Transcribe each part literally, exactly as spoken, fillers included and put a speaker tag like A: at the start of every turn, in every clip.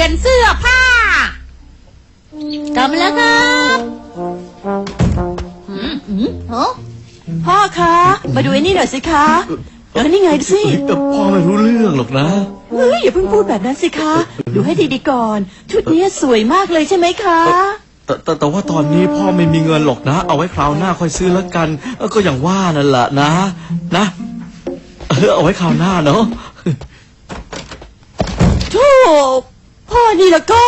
A: ยนเสื้อผ้ากลับมาแล้วครับอืมอืมเหรอ
B: พ่อคะมาดูไอ้นี่หน่อยสิคะเออนี่ไงดูสิ
C: พ่อไม่รู้เรื่องหรอกนะ
B: เฮ้ยอย่าเพิ่งพูดแบบนั้นสิคะดูให้ดีๆก่อนชุดนี้สวยมากเลยใช่ไหมคะ
C: แต่แต่แต่ว่าตอนนี้พ่อไม่มีเงินหรอกนะเอาไว้คราวหน้าค่อยซื้อแล้วกันก็อย่างว่านั่นแหละนะนะเออเอาไว้คราวหน้าเนาะ
B: โธ่พ่อนี่แล้วก็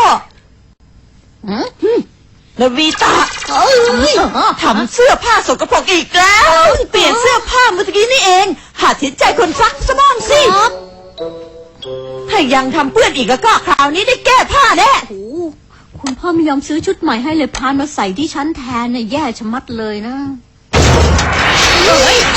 B: นาวีตาทำเสื้อผ้าสกปรกอีกแล้วเปลี่ยนเสื้อผ้าเมื่อกี้นี่เองหาทิศใจคนซักสมองสิถ้ายังทำเปื้อนอีกแล้วก็คราวนี้ได้แก้ผ้าแน่
A: คุณพ่อไม่ยอมซื้อชุดใหม่ให้เลยพานมาใส่ที่ชั้นแทนเนี่ยแย่ชะมัดเลยนะเฮ้ย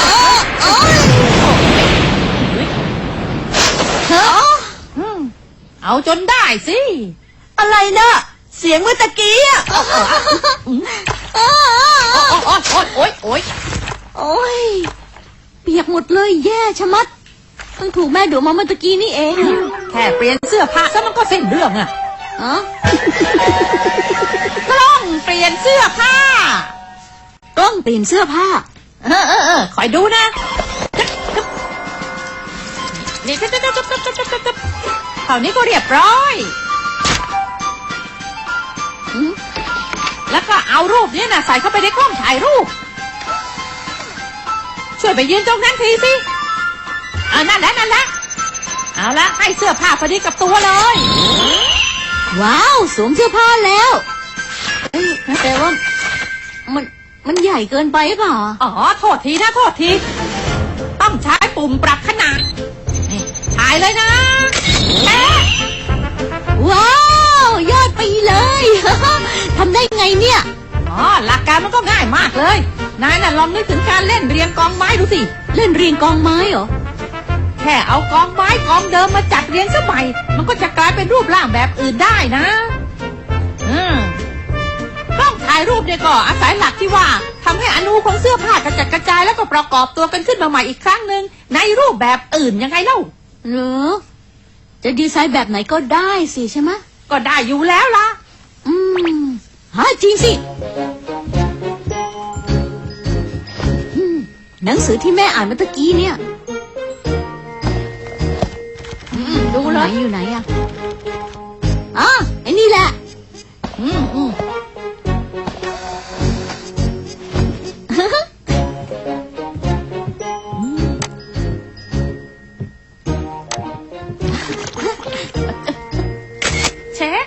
A: เอาจนได้สิ
B: อะไรนะเสียงเมื่อตะกี้อ่ะ
A: โอ๊ยโอ๊ยโอ๊ยโอ๊ยเปียกหมดเลยแย่ชะมัดเพิ่งถูกแม่ดุมาเมื่อตะกี้นี่เองแค่เปลี่ยนเสื้อผ้าซะมันก็เส้นเรื่องอ่ะอ๋อกล้องเปลี่ยนเสื้อผ้ากล้องเปลี่ยนเสื้อผ้าเออเออเออคอยดูนะนี่จับจับจับจับจับจับจับคราวนี้ก็เรียบร้อยแล้วก็เอารูปนี้นะใส่เข้าไปในกล้องถ่ายรูปช่วยไปยืนตรงนั้นทีสิเอานั่นแหละนั่นแหละเอาละให้เสื้อผ้าพอดีกับตัวเลยว้าวสวมเสื้อผ้าแล้วเอ้ยแต่ว่ามันมันใหญ่เกินไปหรือเปล่าอ๋อโทษทีนะโทษทีต้องใช้ปุ่มปรับขนาดนี่ถ่ายเลยนะแม่ว้าวยอดไปเลยทำได้ไงเนี่ยอ๋อหลักการมันก็ง่ายมากเลยนายน่ะลองนึกถึงการเล่นเรียงกองไม้ดูสิเล่นเรียงกองไม้เหรอแค่เอากองไม้กองเดิมมาจัดเรียงซะใหม่มันก็จะกลายเป็นรูปร่างแบบอื่นได้นะอืมกล้องถ่ายรูปเนี่ยก็อาศัยหลักที่ว่าทำให้อนูของเสื้อผ้ากระจัดกระจายแล้วก็ประกอบตัวกันขึ้นมาใหม่อีกครั้งหนึ่งในรูปแบบอื่นยังไงเล่าหรือจะดีไซน์แบบไหนก็ได้สิใช่ไหมก็ได้อยู่แล้วล่ะอืมฮะจริงสิหนังสือที่แม่อ่านเมื่อกี้เนี่ยดูเลยอยู่ไหนอ่ะอ๋อไอ้นี่แหละอืมอืมเช็ค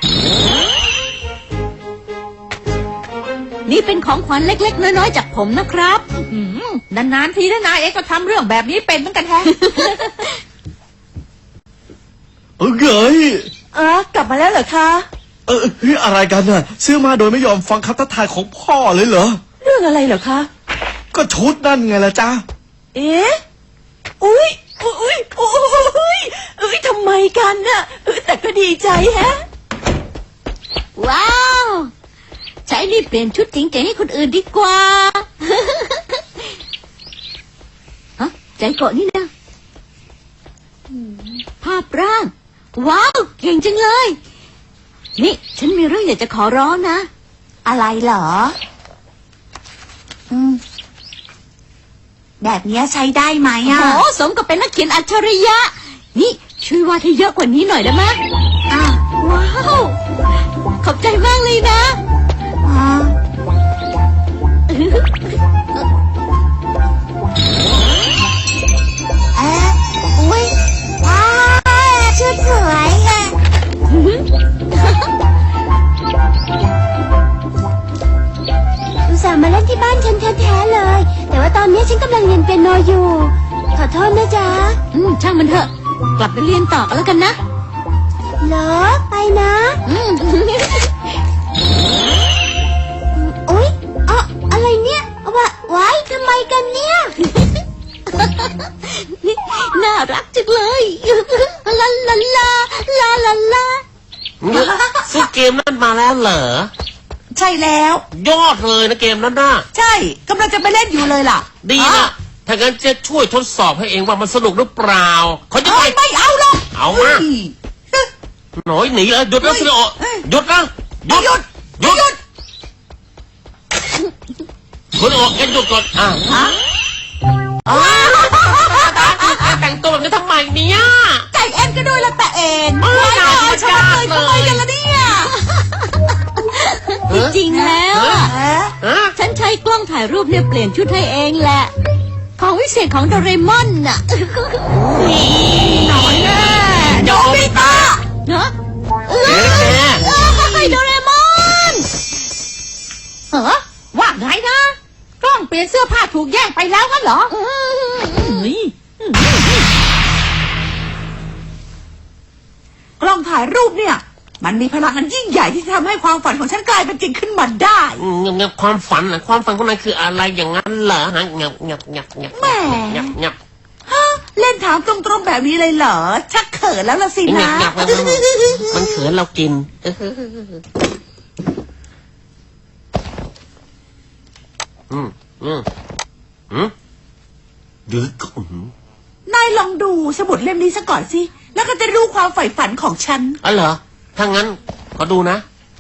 A: นี่เป็นของขวัญเล็กๆน้อยๆจากผมนะครับนานๆทีนะนายเอ็กก็ทำเรื่องแบบนี้เป็นเหมือนกันแท้
C: เออเกย
B: เออกลับมาแล้วเหรอคะ
C: เออเฮ้ยอะไรกันน่ะซื้อมาโดยไม่ยอมฟังคำทักทายของพ่อเลยเหรอ
B: เรื่องอะไรเหรอคะ
C: ก็ชุดนั่นไงล่ะจ๊ะ
B: เอ๊ะอุ้ยอุ้ยอุ้ยอุ้ยทำไมกันน่ะแต่ก็ดีใจแฮะ
A: ว้าวใช้นี่เปลี่ยนชุดจริงๆให้คนอื่นดีกว่าฮะใจเกาะนี่นะภาพร่างว้าวเก่งจังเลยนี่ฉันมีเรื่องอยากจะขอร้องนะ
B: อะไรเหรออืมแบบนี้ใช้ได้ไหมอ่ะ
A: โอ้สมกับเป็นนักเขียนอัจฉริยะนี่ช่วยวาดให้เยอะกว่านี้หน่อยได้ไหม
B: อ้าว
A: ว้าวขอบใจมากเลยนะ
B: อ๋อเอ๊ะอุ้ยว้าวชุดสวยอ่ะอุตส่าห์มาเล่นที่บ้านฉันแท้ๆเลยแต่ว่าตอนนี้ฉันกำลังเรียนเปียโนอยู่ขอโทษนะจ๊ะ
A: อืมช่างมันเถอะกลับไปเรียนต่อกันแล้วกันนะ
B: เหรอไปนะ
A: อืม
B: อุ๊ยอ๋ออะไรเนี่ยว่าไว้ทำไมกันเนี่ย
A: น่ารักจังเลยลาลาลาลาลาลา
D: ซื้อเกมนั้นมาแล้วเหรอ
B: ใช่แล้ว
D: ยอดเลยนะเกมนั้นน่ะ
B: ใช่กำลังจะไปเล่นอยู่เลยล่ะ
D: ดีนะถ้างั้นจะช่วยทดสอบให้เองว่ามันสนุกหรือเปล่าเขาจะ
B: ไม่ไม่เอาหรอก
D: เอามาหน่อยหนีเลยหยุดนะซิโนหยุดนะหยุด
B: หยุด
D: หยุด
B: หยุด
D: คุณโอแกหยุดก่อนอ่ะ
B: ฮะ
D: แต่งตัวแบบนี้ทำไมเนี่ย
B: ใจแอนก็ด้วยละแต่เอง
D: เออ
B: ไม่เอา
D: น่า
B: ฉันเลย
D: เลย
B: ทำไมกันล่ะเนี่ย
A: จริงๆแล้วอะ
B: ฮะ
D: ฮะ
A: ฉันใช้กล้องถ่ายรูปเนี่ยเปลี่ยนชุดให้เองแหละ ของวิเศษของโดเรมอนน่ะ
B: หน่อยแน่โนบิตะ
A: เนอะ
D: เอ๊ะแก
A: เอ้ยโดเรมอนเหรอว่าไงนะกล้องเปลี่ยนเสื้อผ้าถูกแย่งไปแล้วงั้นเหรอเฮ้ย
B: กล้องถ่ายรูปเนี่ย มันมีพลังอันยิ่งใหญ่ที่จะทำให้ความฝันของฉันกลายเป็นจริงขึ้นมาได้
D: เงียบเงียบความฝันนะความฝันของนายคืออะไรอย่างนั้นเหรอฮะเงียบเงียบเงียบเงียบ
B: แหม
D: เงียบเงียบ
B: ฮะเล่นถามตรงๆแบบนี้เลยเหรอ ชักเขินแล้วละสิ
D: เงีย
B: นะ
D: บเงียบมันเขินเรากินอืมอืมอืมดึกอืม
B: นายลองดูสมุดเล่มนี้ซะก่อนสิ แล้วก็จะรู้ความใฝ่ฝันของฉัน
D: อ๋อเหรอ ถ้างั้นขอดูนะ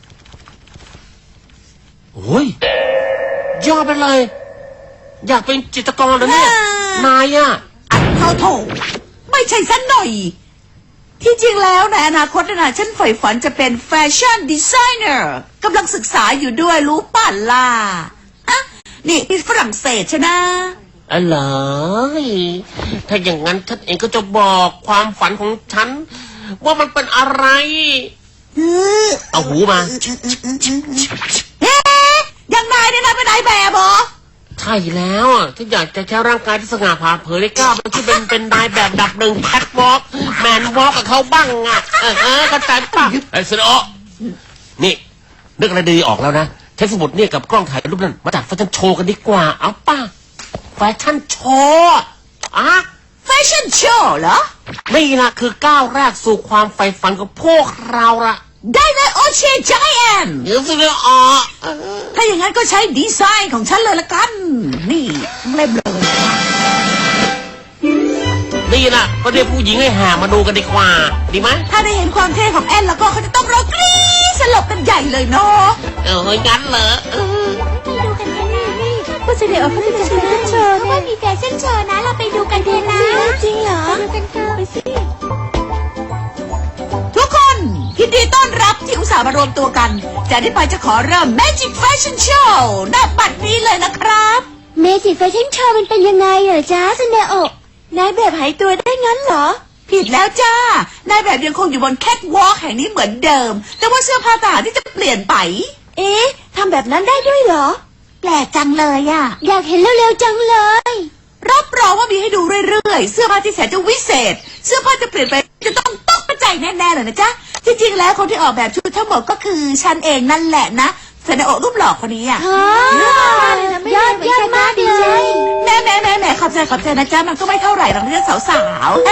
D: โอ้ยยอดไปเลย อยากเป็นจิตรกรแล้วเนี่ย
B: อ่าน
D: ายอ่ะ
B: อัดเข้าโถไม่ใช่สันหน่อย ที่จริงแล้วในอนาคตนะฉันใฝ่ฝันจะเป็นแฟชั่นดีไซเนอร์กำลังศึกษาอยู่ด้วยรู้ป่ะล่ะอ่ะนี่ที่ฝรั่งเศสใช่นะ
D: อ๋อเหรอถ้าอย่างนั้นฉันเองก็จะบอกความฝันของฉัน ว่ามันเป็นอะไร เอาหูมา
B: เอ๊ะยังนายเนี่ยนะเป็นนายแบบเหรอ
D: ใช่แล้วอ่ะฉันอยากจะใช้ร่างกายที่สง่าผ่าเผยได้กล้ามันที่เป็นเป็นนายแบบดับหนึ่งแคทวอล์กแมนวอล์กกับเขาบ้างอ่ะเออเออเข้าใจป่ะไอ้สนอนี่นึกอะไรดีออกแล้วนะใช้สมุดเนี่ยกับกล้องถ่ายรูปนั่นมาจัดแฟชั่นโชว์กันดีกว่าเอาป่ะแฟชั่นโชว์อ่ะ
B: แฟชั่นโชว์เหรอ
D: นี่นะคือก้าวแรกสู่ความใฝ่ฝันของพวกเราละ
B: ได้เลยโอเชจายแอน
D: เดี๋ยวสิเนี่ยออเออ
B: ถ้าอย่างนั้นก็ใช้ดีไซน์ของฉันเลยละกัน นี่เล่มเลย
D: นี่นะก็เรียกผู้หญิงให้แห่มาดูกันดีกว่า ดีไหม
B: ถ้าได้เห็นความเท่ของแอนแล้วก็เขาจะต้องร้องกรี๊ดสลบกันใหญ่เลยเนาะ
D: เออเฮ้ยงั้นเหรอเออ
A: ไปดูกันกันนี่นี่ผู้เสด็จออกเขาจะจัดแฟชั่นโชว์เขาว่ามีแฟชั่นโชว์นะ เราไปดูกันเถอะนะจริงเหรอไปดูกันเถอะไปสิ
B: ทุกคนยินดีต้อนรับที่อุตส่าห์มารวมตัวกัน จากนี้ไปจะขอเริ่ม Magic Fashion Show ณบัดนี้เลยนะครับ
A: เมจิแฟชั่นโชว์มันเป็นยังไงเหรอจ๊ะซันเดโอะนายแบบหายตัวได้งั้นเหรอ
B: ผิดแล้วจ้านายแบบยังคงอยู่บนแคทวอล์กแห่งนี้เหมือนเดิม แต่ว่าเสื้อผ้าทหารที่จะเปลี่ยนไป
A: เอ๊ะทำแบบนั้นได้ด้วยเหรอ
B: แปลกจังเลยอะ
A: อยากเห็นเร็วๆจังเลย
B: รับรองว่ามีให้ดูเรื่อยๆ เสื้อผ้าที่แสนจะวิเศษ เสื้อผ้าจะเปลี่ยนไปจะต้องตกใจแน่ๆเลยนะจ๊ะ จริงๆ แล้วคนที่ออกแบบชุดทั้งหมดก็คือฉันเองนั่นแหละนะเซนโอะรูปหล่อคนนี้อ่ะ
A: ยอดยอดมากเลย
B: แม่แม่แม่แม่ขอบใจขอบใจนะจ๊ะ มันก็ไม่เท่าไหร่หรอกนะจ๊ะสาวๆ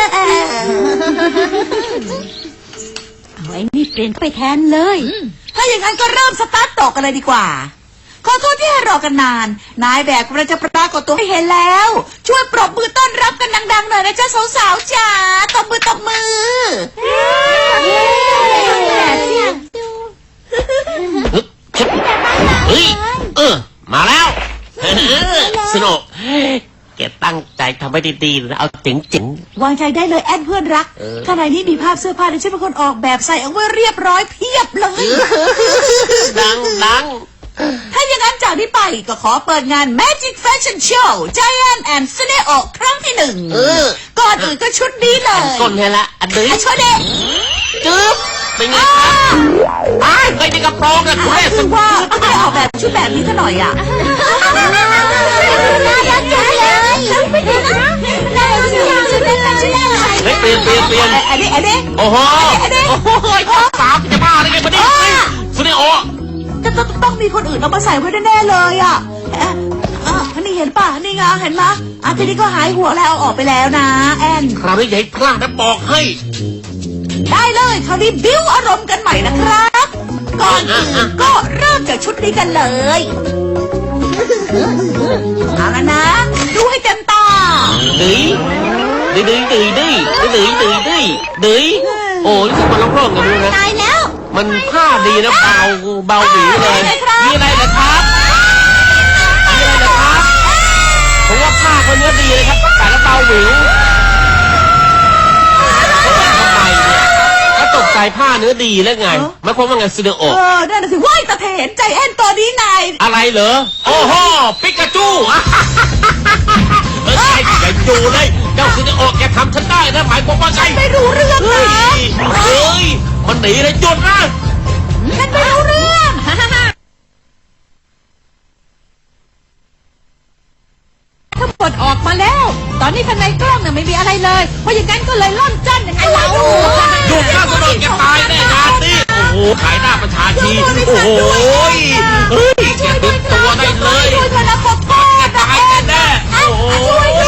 A: เอาไอ้นี่เปลี่ยนไปแทนเลย
B: ถ้าอย่างนั้นก็เริ่มสตาร์ทต่อกันเลยดีกว่า ขอโทษที่ให้รอกันนาน นายแบบกำลังจะปรากฏตัวให้เห็นแล้ว ช่วยปรบมือต้อนรับกันดังๆหน่อยนะจ๊ะสาวๆจ๋าตบมือตบมือ
D: เฮ้ยเออ มาแล้วเออสนุกแกตั้งใจทำให้ดีๆนะเอาเจ๋ง
B: วางใจได้เลยแอนเพื่อนรัก
D: เออ
B: ข้างในนี้มีภาพเสื้อผ้าที่ฉันเป็นคนออกแบบใส่เอาไว้เรียบร้อยเพียบเลย
D: ๆดังดัง
B: ถ้าอย่างนั้นจากนี้ไปก็ขอเปิดงาน Magic Fashion Show Giant and Suneo ครั้งที่หนึ่ง
D: เออ
B: ก่อนอื่นก็ชุดนี้เล
D: อัน
B: ย
D: ก้นให้ละอันดื้อ
B: อ่ะชุดเด็ก
D: จึ๊บเป็นไงครับอ้ายเคยในกระโปรงนะคุณแม่
B: คือว่าไม่ได้ออกแบบชุดแบบนี้ซะหน่อยอ่ะ
A: น่ารักจังเลยไปดูนะน่ารักจังเลยเป็นแฟชั่นโชว์
D: เฮ้ยเปลี่ยนเปลี่ยนเปลี่ยน
B: อันนี้อันนี้
D: โอ้โห
B: อันนี้
D: โอ้โหสามจะบ้าอะไรกันมาดิสุนิโอ
B: จะต้องต้องมีคนอื่นเอามาใส่ไว้แน่ๆเลยอ่ะเอ๊ะอ่ะนี่เห็นป่ะนี่ไงเห็นไหมอ่ะทีนี้ก็หายห่วงแล้วเอาออกไปแล้วนะแอน
D: คราวนี้อย่าให้พลาดนะบอกให้
B: ได้เลยคราวนี้บิ้วอารมณ์กันใหม่นะครับ ก่อนอื่นก็เริ่มจากชุดนี้กันเลยเอาละนะ ดูให้เต็มตา
D: เฮ้ยดื้อดื้อดื้อดื้อดื้อดื้อดื้อดื้อโอ้ยนี่มันร้องๆกันเลยนะ
A: ตายแล้ว
D: มันผ้าดีนะเบาเบาหวีเลยมีอะไรเหรอครับมีอะไรเหรอครับผมว่าผ้าเขาเนื้อดีเลยครับแต่แล้วเบาหวิวทำไมเนี่ยก็ตกใจผ้าเนื้อดีแล้วไงไม่ความว่าไงซิเดโอ
B: เออนั่นน่ะสิว้ายตาเถนใจแอนตัวนี้นาย
D: อะไรเหรอโอ้โหปิกาจูเออไอ้ไอ้จูเลยเจ้าซิเดโอแกทำฉันได้นะหมายความว่าไง
B: ไม่รู้เรื่อง
D: เฮ้
B: นะ
D: ยเฮ้ยมันหนีเลยหยุดนะ
A: ฉันไม่รู้เรื่องทั้งหมดออกมาแล้ว ตอนนี้ข้างในกล้องเนี่ยไม่มีอะไรเลย เพราะอย่างนั้นก็เลยล่อนจ้อนยังไงเรา
D: หยุดนะซิเดโอแกตายแน่งานนี้โอ้โหขายหน้าประชาชีโอ้โหเฮ้ยแกดึงตัวได้เลย
B: ช่วยด้วยนะปกป้อง
D: แกตายแน่ๆโอ้โห